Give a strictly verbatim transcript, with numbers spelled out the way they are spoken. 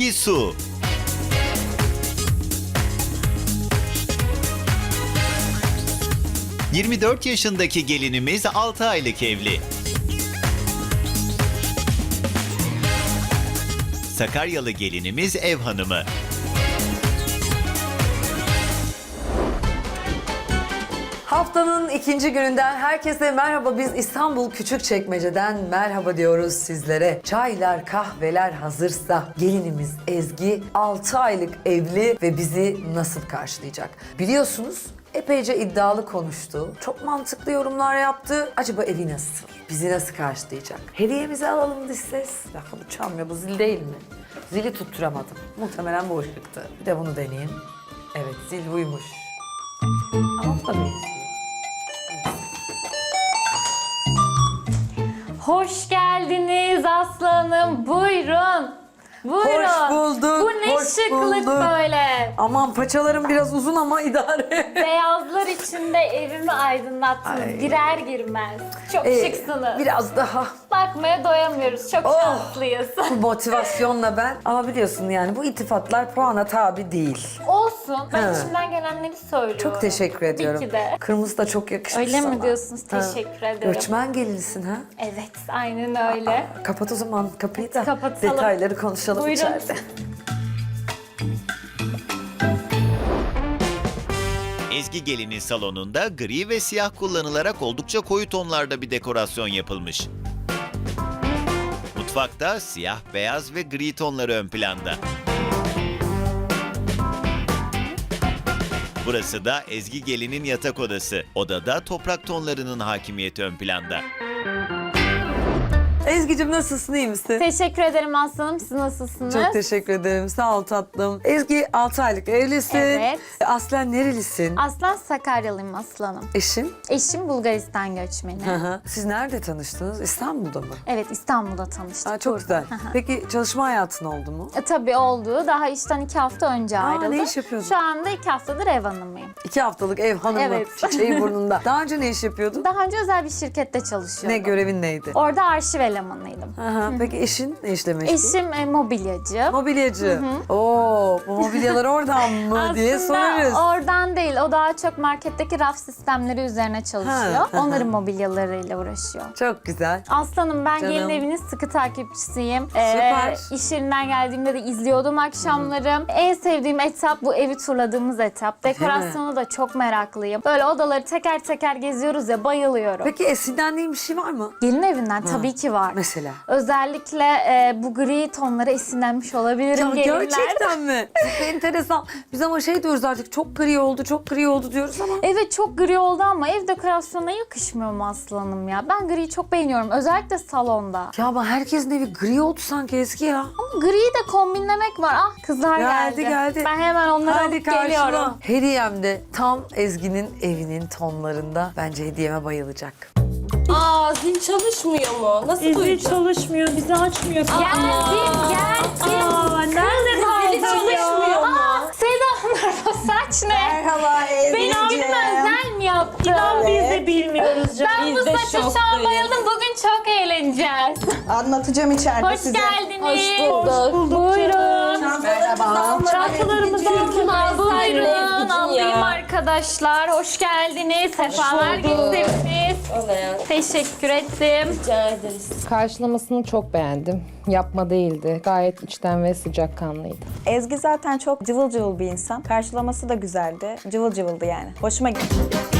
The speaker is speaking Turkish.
Ezgi Su. yirmi dört yaşındaki gelinimiz altı aylık evli. Sakaryalı gelinimiz ev hanımı. Haftanın ikinci gününden herkese merhaba. Biz İstanbul Küçükçekmece'den merhaba diyoruz sizlere. Çaylar, kahveler hazırsa gelinimiz Ezgi altı aylık evli ve bizi nasıl karşılayacak? Biliyorsunuz epeyce iddialı konuştu. Çok mantıklı yorumlar yaptı. Acaba evi nasıl? Bizi nasıl karşılayacak? Hediyemizi alalım dış ses. Ya bu çalmıyor, bu zil değil mi? Zili tutturamadım. Muhtemelen bu ışıktı. Bir de bunu deneyeyim. Evet, zil buymuş. Ama bu da benziyor. Hoş geldiniz aslanım. Buyurun. Buyurun. Hoş bulduk. Bu ne hoş şıklık bulduk. böyle. Aman paçalarım biraz uzun ama idare. Beyazlar içinde evimi aydınlattınız. Ay. Girer girmez. Çok Ee, şıksınız. Biraz daha Bakmaya doyamıyoruz. Çok Oh. şanslıyız. bu motivasyonla ben. Ama biliyorsun yani bu iltifatlar puana tabi değil. Olsun. Ben Ha. içimden gelenleri söylüyorum. Çok teşekkür ediyorum. Tabii ki de. Kırmızı da çok yakışmış Öyle sana. mi diyorsunuz? Ha. Teşekkür ederim. Göçmen gelinsin ha. Evet, aynen öyle. Kapat o zaman kapıyı da Kapatalım. detayları konuşalım Buyurun. içeride. Ezgi gelinin salonunda gri ve siyah kullanılarak oldukça koyu tonlarda bir dekorasyon yapılmış. Mutfakta siyah, beyaz ve gri tonları ön planda. Burası da Ezgi gelinin yatak odası. Odada toprak tonlarının hakimiyeti ön planda. Ezgi'cim nasılsın, iyi misin? Teşekkür ederim aslanım. Siz nasılsınız? Çok teşekkür ederim. Sağ ol tatlım. Ezgi altı aylık evlisin. Evet. Aslen nerelisin? Aslan Sakaryalıyım aslanım. Eşin? Eşim Bulgaristan göçmeni. Hı hı. Siz nerede tanıştınız? İstanbul'da mı? Evet, İstanbul'da tanıştık. Aa, çok güzel. Peki çalışma hayatın oldu mu? E, tabii oldu. Daha işten iki hafta önce Aa, ayrıldım. ne iş yapıyordun? Şu anda iki haftadır ev hanımıyım. İki haftalık ev hanımı, Evet. çiçeği burnunda. Daha önce ne iş yapıyordun? Daha önce özel bir şirkette çalışıyordum. Ne görevin neydi? Orada arşiv elemanıydım. Aha, peki eşin ne işle meşgul? Eşim e, mobilyacı. Mobilyacı. Oo, bu mobilyalar oradan mı diye sorarız. Aslında oradan değil. O daha çok marketteki raf sistemleri üzerine çalışıyor. Ha, ha, Onların mobilyalarıyla uğraşıyor. Çok güzel. Aslanım ben Canım. gelin evinin sıkı takipçisiyim. Süper. Ee, iş yerinden geldiğimde de izliyordum akşamları. En sevdiğim etap bu evi turladığımız etap. Dekorasyonu da çok meraklıyım. Böyle odaları teker teker geziyoruz ya, bayılıyorum. Peki esinlendiğin bir şey var mı? Gelin evinden tabii ki var. Mesela? Özellikle e, bu gri tonlara esinlenmiş olabilirim Ya gelinler. gerçekten mi? Çok enteresan. Biz ama şey diyoruz artık, çok gri oldu, çok gri oldu diyoruz ama. Evet, çok gri oldu ama ev dekorasyonuna yakışmıyor mu aslanım ya? Ben griyi çok beğeniyorum. Özellikle salonda. Ya ama herkesin evi gri oldu sanki Ezgi ya. Ama griyi de kombinlemek var. Ah, kızlar Geldi, geldi. geldi. Ben hemen onları Hadi alıp karşıla. geliyorum. Hediyem de tam Ezgi'nin evinin tonlarında. Bence hediyeme bayılacak. Aa, zil çalışmıyor mu? Nasıl Zil duyacağız? çalışmıyor, bizi açmıyor. Gelsin, gelsin. Aa, nerede Zili kaldın ya? çalışmıyor mu? Seda Hanım, o saç ne? Merhaba Benim Ezgi'ciğim. özel mi yaptın? İnan biz de bilmiyoruz canım. Ben bu Biz de saça şu an şoktayız. bayıldım. Bugün çok eğleneceğiz. Anlatacağım içeride Hoş size. geldiniz. Hoş bulduk. Buyurun. Merhaba. Çantalarımızı aldılar. Buyurun. Alayım arkadaşlar. Hoş geldiniz. Sefalar getirdiniz. Olaya Teşekkür ettim. rica ederiz. Karşılamasını çok beğendim. Yapma değildi. Gayet içten ve sıcakkanlıydı. Ezgi zaten çok cıvıl cıvıl bir insan. Karşılaması da güzeldi. Cıvıl cıvıldı yani. Hoşuma gitti.